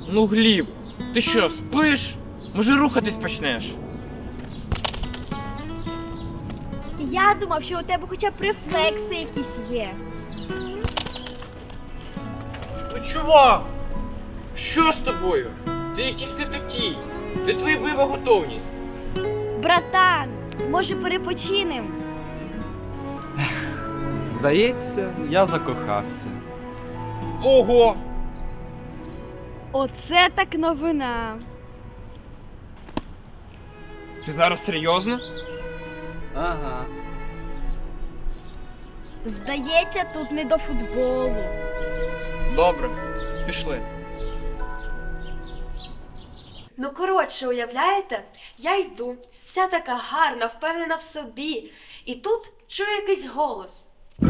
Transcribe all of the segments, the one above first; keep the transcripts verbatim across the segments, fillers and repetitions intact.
Ну, Гліб, ти що, спиш? Може, рухатись почнеш? Я думав, що у тебе хоча б рефлекси якісь є. Ну, чувак! Що з тобою? Ти якийсь не такий. Де твоя бойова готовність? Братан, може перепочинем? Здається, я закохався. Ого! Оце так новина. Ти зараз серйозно? Ага. Здається, тут не до футболу. Добре, пішли. Ну, коротше, уявляєте? Я йду, вся така гарна, впевнена в собі. І тут чую якийсь голос.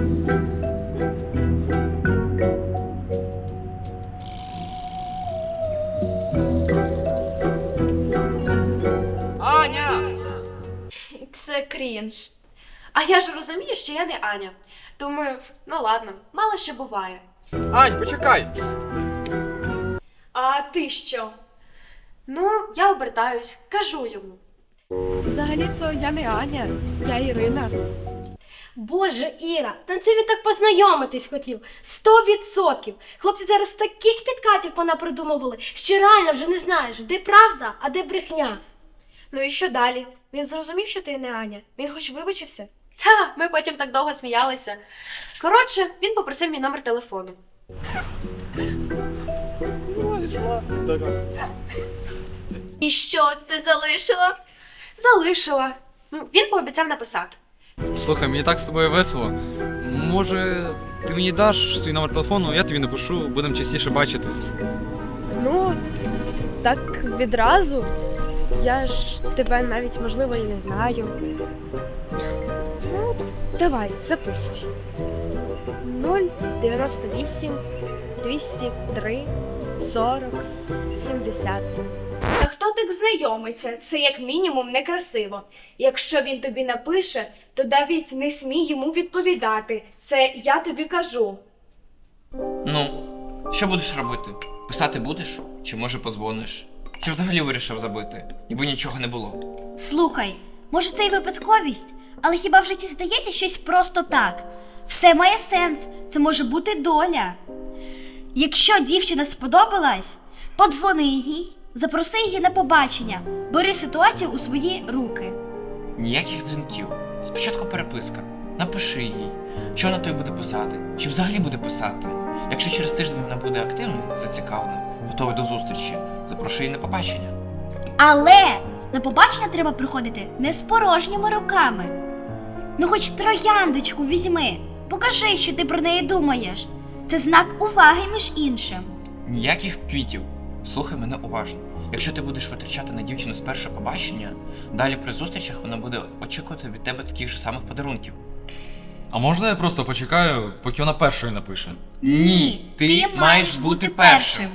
Аня! Це крінж. А я ж розумію, що я не Аня. Думаю, ну ладно, мало що буває. Ань, почекай! А ти що? Ну, я обертаюсь, кажу йому. Взагалі-то я не Аня, я Ірина. Боже, Іра, та це він так познайомитись хотів. Сто відсотків. Хлопці зараз таких підкатів понапридумували, що реально вже не знаєш, де правда, а де брехня. Ну і що далі? Він зрозумів, що ти не Аня? Він хоч вибачився? Та, ми потім так довго сміялися. Коротше, він попросив мій номер телефону. І що, ти залишила? Залишила. Ну, він пообіцяв написати. Слухай, мені так з тобою весело. Може, ти мені даш свій номер телефону, я тобі напишу, будемо частіше бачитись. Ну, так відразу. Я ж тебе навіть, можливо, і не знаю. Ну, давай, записуй. нуль дев'яносто вісім двісті три сорок сімдесят. Та хто так знайомиться? Це як мінімум некрасиво. Якщо він тобі напише, то навіть не смій йому відповідати. Це я тобі кажу. Ну, що будеш робити? Писати будеш? Чи може подзвониш? Чи взагалі вирішив забити? Ніби нічого не було. Слухай, може це й випадковість, але хіба в житті здається щось просто так? Все має сенс, це може бути доля. Якщо дівчина сподобалась, подзвони їй, запроси її на побачення, бери ситуацію у свої руки. Ніяких дзвінків. Спочатку переписка. Напиши їй, що вона тобі буде писати, чи взагалі буде писати. Якщо через тиждень вона буде активною, зацікавленою, готова до зустрічі, запрошуй її на побачення. Але на побачення треба приходити не з порожніми руками. Ну хоч трояндочку візьми, покажи, що ти про неї думаєш. Це знак уваги між іншим. Ніяких квітів. Слухай мене уважно. Якщо ти будеш витрачати на дівчину з першого побачення, далі при зустрічах вона буде очікувати від тебе таких же самих подарунків. А можна я просто почекаю, поки вона першою напише? Ні, ти маєш бути першим.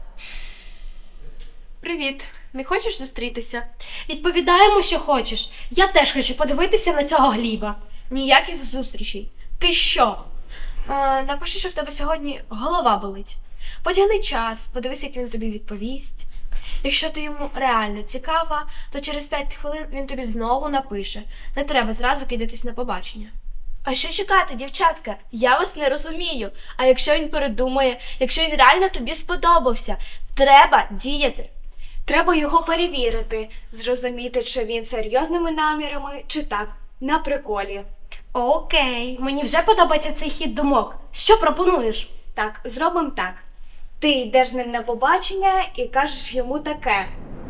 Привіт, не хочеш зустрітися? Відповідаємо, що хочеш. Я теж хочу подивитися на цього Гліба. Ніяких зустрічей. Ти що? А, напиши, що в тебе сьогодні голова болить. Потягни час, подивись, як він тобі відповість. Якщо ти йому реально цікава, то через п'ять хвилин він тобі знову напише. Не треба зразу кидатись на побачення. А що чекати, дівчатка? Я вас не розумію. А якщо він передумає, якщо він реально тобі сподобався, треба діяти. Треба його перевірити, зрозуміти, чи він серйозними намірами, чи так, на приколі. Окей, мені вже подобається цей хід думок. Що пропонуєш? Так, зробимо так. Ти йдеш з ним на побачення і кажеш йому таке.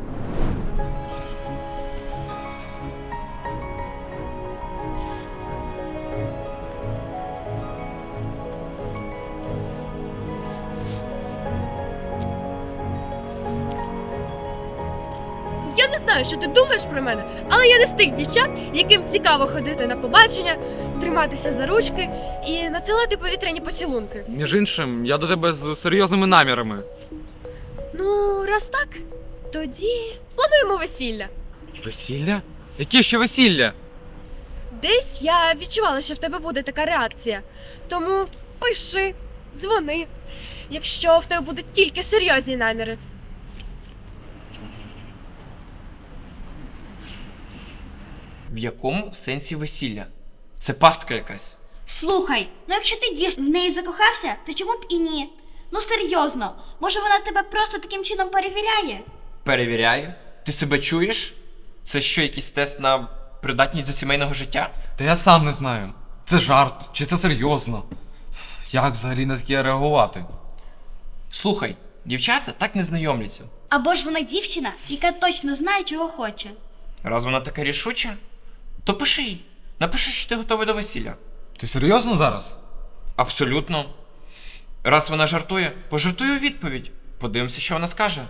Я не знаю, що ти думаєш про мене, але я не з тих дівчат, яким цікаво ходити на побачення, триматися за ручки і надсилати повітряні поцілунки. Між іншим, я до тебе з серйозними намірами. Ну, раз так, тоді плануємо весілля. Весілля? Яке ще весілля? Десь я відчувала, що в тебе буде така реакція. Тому пиши, дзвони. Якщо в тебе будуть тільки серйозні наміри, В якому сенсі весілля? Це пастка якась. Слухай, ну якщо ти дійсно в неї закохався, то чому б і ні? Ну серйозно, може вона тебе просто таким чином перевіряє? Перевіряю. Ти себе чуєш? Це що, якийсь тест на придатність до сімейного життя? Та я сам не знаю. Це жарт, чи це серйозно? Як взагалі на таке реагувати? Слухай, дівчата так не знайомляться. Або ж вона дівчина, яка точно знає, чого хоче. Раз вона така рішуча, то пиши їй. Напиши, що ти готовий до весілля. Ти серйозно зараз? Абсолютно. Раз вона жартує, пожартуй у відповідь. Подивимося, що вона скаже.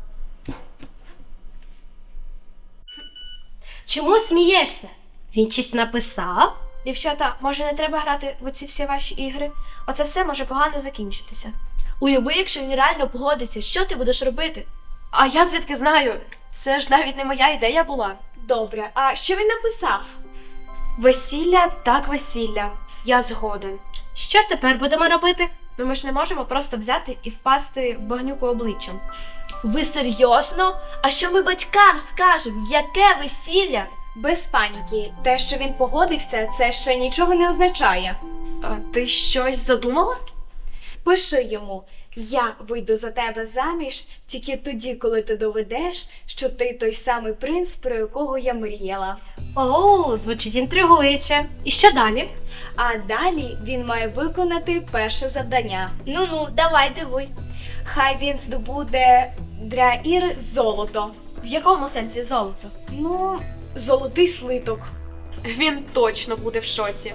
Чому смієшся? Він щось написав? Дівчата, може не треба грати в оці всі ваші ігри? Оце все може погано закінчитися. Уяви, якщо він реально погодиться, що ти будеш робити? А я звідки знаю? Це ж навіть не моя ідея була. Добре, а що він написав? Весілля так весілля. Я згоден. Що тепер будемо робити? Ну ми ж не можемо просто взяти і впасти в багнюку обличчям. Ви серйозно? А що ми батькам скажемо? Яке весілля? Без паніки. Те, що він погодився, це ще нічого не означає. А ти щось задумала? Пиши йому: я вийду за тебе заміж тільки тоді, коли ти доведеш, що ти той самий принц, про якого я мріяла. О, звучить інтригуюче. І що далі? А далі він має виконати перше завдання. Ну-ну, давай дивуй. Хай він здобуде для Іри золото. В якому сенсі золото? Ну, золотий слиток. Він точно буде в шоці.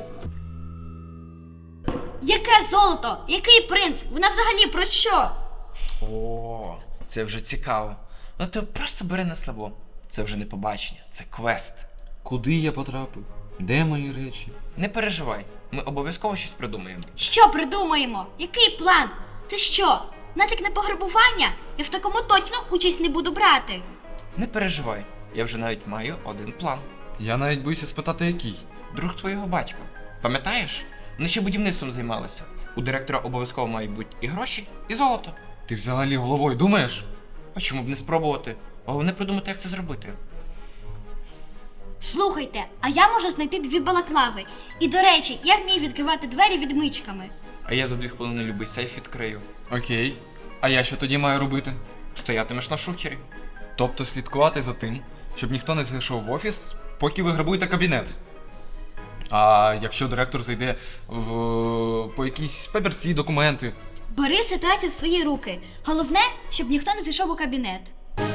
Яке золото? Який принц? Вона взагалі про що? О, це вже цікаво. Ну ти просто бери на слабо. Це вже не побачення, це квест. Куди я потрапив? Де мої речі? Не переживай, ми обов'язково щось придумаємо. Що придумаємо? Який план? Це що? Натяк на пограбування? Я в такому точно участь не буду брати. Не переживай, я вже навіть маю один план. Я навіть боюся спитати, який. Друг твого батька. Пам'ятаєш? Вони ще будівництвом займалися. У директора обов'язково мають бути і гроші, і золото. Ти взагалі головою думаєш? А чому б не спробувати? Головне придумати, як це зробити. Слухайте, а я можу знайти дві балаклави. І, до речі, я вмію відкривати двері відмичками. А я за дві хвилини любий сейф відкрию. Окей. А я що тоді маю робити? Стоятимеш на шухері. Тобто слідкувати за тим, щоб ніхто не зайшов в офіс, поки ви грабуєте кабінет. А якщо директор зайде в по якісь папірці, документи. Бери ситуацію в свої руки. Головне, щоб ніхто не зайшов у кабінет.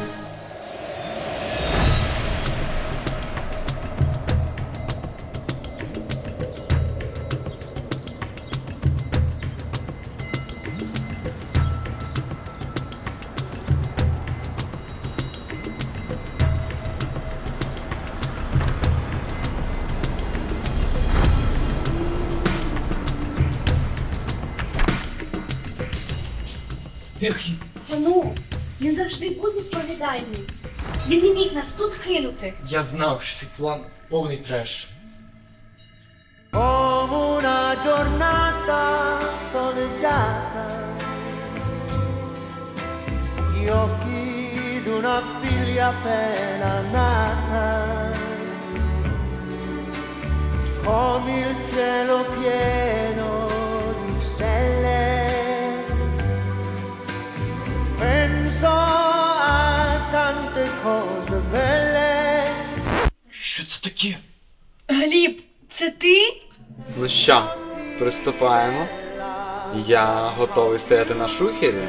Ну, він завжди був відповідальний. Він не міг нас тут кинути. Я знав, що цей план повний треш. Come una giornata soleggiata, gli occhi d'una figlia appena nata, come il cielo pieno di stelle, penso a tante cose belle. Що це таке? Гліб, це ти? Ну що, приступаємо. Я готовий стояти на шухері.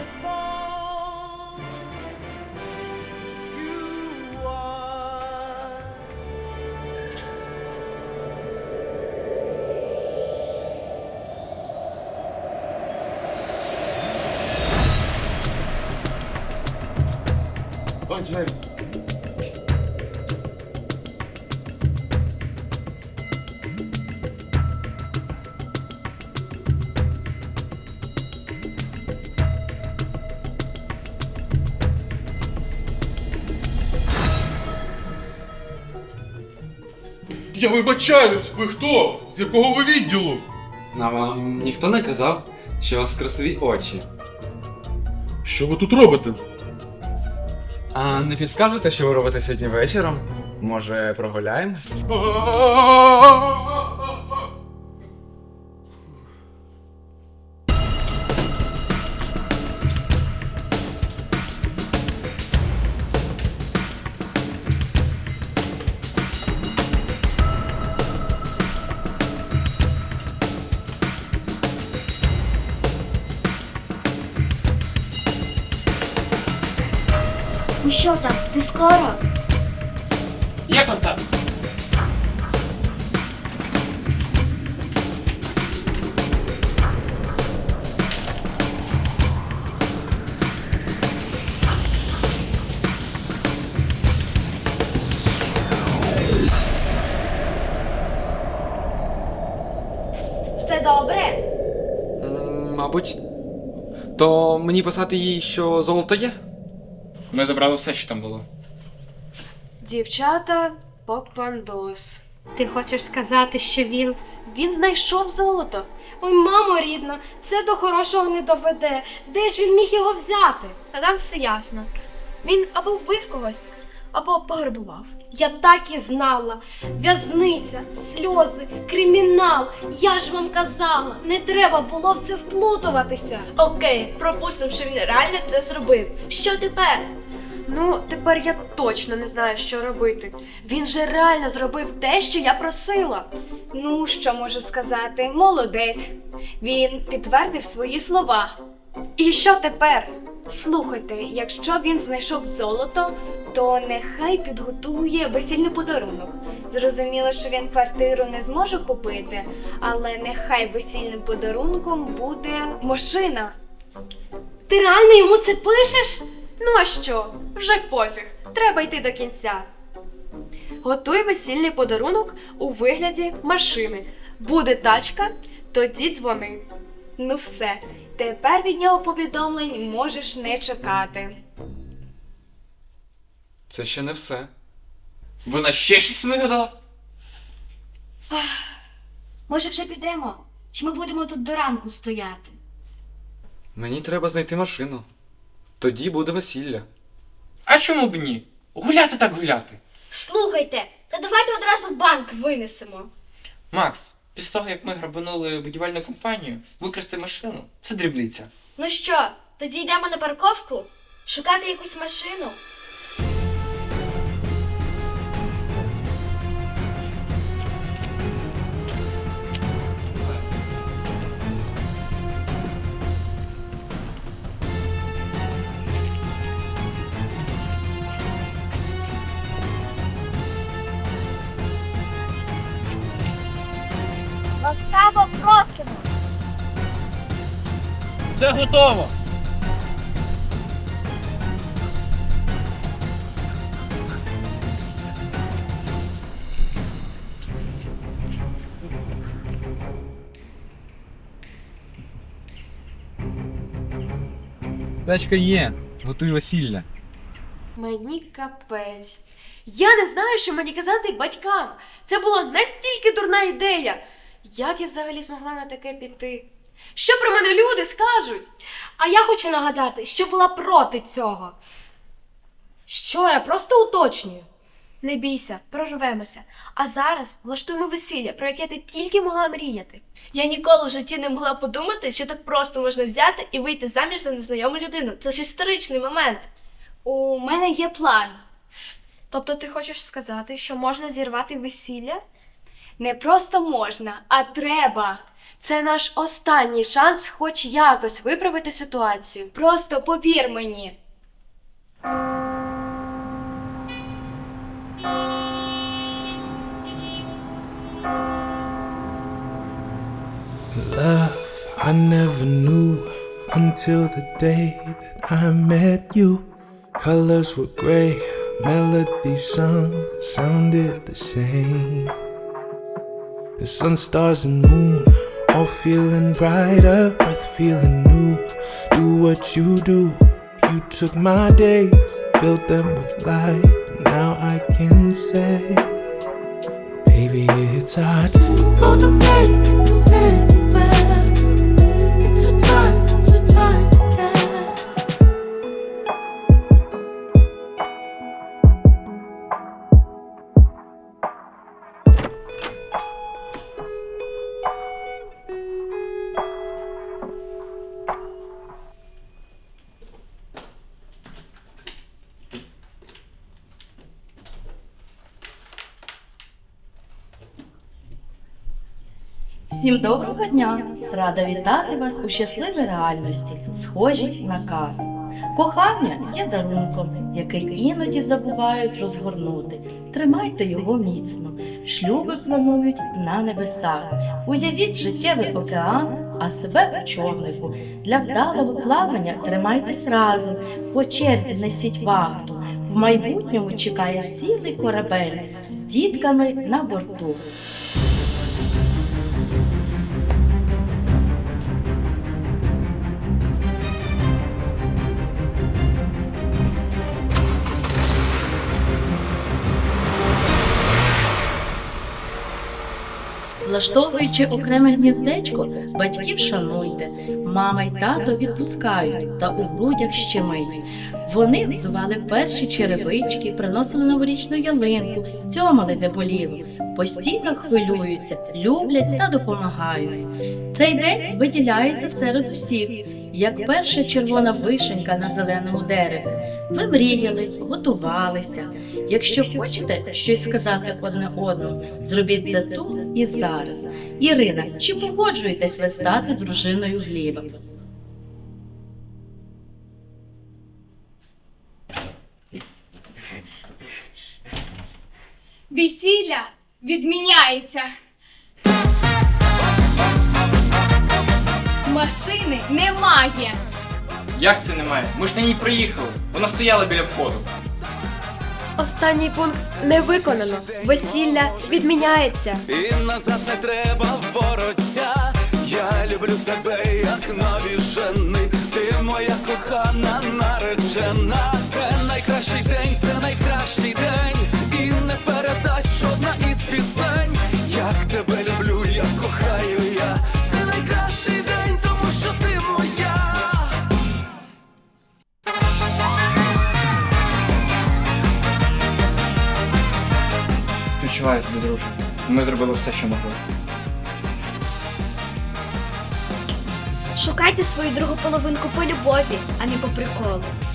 Я вибачаюсь, ви хто? З якого ви відділу? А вам ніхто не казав, що у вас красиві очі. Що ви тут робите? А не підскажете, що ви робите сьогодні вечором? Може, прогуляємось? Ну що там, ти скоро? Є контакт. Все добре? М, Мабуть. То мені писати їй, що золото є? Ми забрали все, що там було. Дівчата, попандос. Ти хочеш сказати, що він. Він знайшов золото. Ой, мамо рідна, це до хорошого не доведе. Де ж він міг його взяти? Та там все ясно. Він або вбив когось, або пограбував. Я так і знала. В'язниця, сльози, кримінал. Я ж вам казала, не треба було в це вплутуватися. Окей, пропустимо, що він реально це зробив. Що тепер? Ну, тепер я точно не знаю, що робити. Він же реально зробив те, що я просила. Ну, що можу сказати? Молодець. Він підтвердив свої слова. І що тепер? Слухайте, якщо він знайшов золото, то нехай підготує весільний подарунок. Зрозуміло, що він квартиру не зможе купити, але нехай весільним подарунком буде машина. Ти реально йому це пишеш? Ну а що? Вже пофіг. Треба йти до кінця. Готуй весільний подарунок у вигляді машини. Буде тачка, тоді дзвони. Ну все, тепер від нього повідомлень можеш не чекати. Це ще не все. Вона ще щось вигадала? Може вже підемо? Чи ми будемо тут до ранку стояти? Мені треба знайти машину. Тоді буде весілля. А чому б ні? Гуляти так гуляти. Слухайте, та давайте одразу банк винесемо. Макс, після того, як ми грабанули будівельну компанію, викрасти машину – це дрібниця. Ну що, тоді йдемо на парковку? Шукати якусь машину? Ласкаво просимо! Все готово! Тачка є. Готуй весілля. Мені капець. Я не знаю, що мені казати батькам. Це була настільки дурна ідея. Як я взагалі змогла на таке піти? Що про мене люди скажуть? А я хочу нагадати, що була проти цього. Що я просто уточнюю. Не бійся, прорвемося. А зараз влаштуємо весілля, про яке ти тільки могла мріяти. Я ніколи в житті не могла подумати, що так просто можна взяти і вийти заміж за незнайому людину. Це ж історичний момент. У мене є план. Тобто ти хочеш сказати, що можна зірвати весілля? Не просто можна, а треба. Це наш останній шанс хоч якось виправити ситуацію. Просто повір мені. Love, I never knew until the day that I met you. Colors were gray, melodies sung sounded the same. The sun, stars, and moon all feeling brighter, breath feeling new. Do what you do. You took my days, filled them with life. Now I can say, baby, it's our time. Gonna make it through anywhere. It's a time, it's a time again. Всім доброго дня! Рада вітати вас у щасливій реальності, схожій на казку. Кохання є дарунком, який іноді забувають розгорнути. Тримайте його міцно. Шлюби планують на небесах. Уявіть життєвий океан, а себе у човнику. Для вдалого плавання тримайтесь разом, по черзі несіть вахту. В майбутньому чекає цілий корабель з дітками на борту. Влаштовуючи окреме гніздечко, батьків шануйте, мама й тато відпускають та у грудях щемить. Вони взували перші черевички, приносили новорічну ялинку, цьомали де боліло. Постійно хвилюються, люблять та допомагають. Цей день виділяється серед усіх, як перша червона вишенька на зеленому дереві. Ви мріяли, готувалися. Якщо хочете щось сказати одне одному, зробіть це тут і зараз. Ірина, чи погоджуєтесь ви стати дружиною Гліба? Весілля відміняється. Машини немає. Як це немає? Ми ж на ній приїхали. Вона стояла біля входу. Останній пункт не виконано. Весілля відміняється. І назад не треба вороття. Я люблю тебе, як нові жени. Ти моя кохана наречена. Це найкращий день, це найкращий день. І не передасть жодна із пісень. Як тебе люблю, як кохаю я. Це найкращий день, тому що ти моя. Співчуваю тобі, друже. Ми зробили все, що могли. Шукайте свою другу половинку по любові, а не по приколу.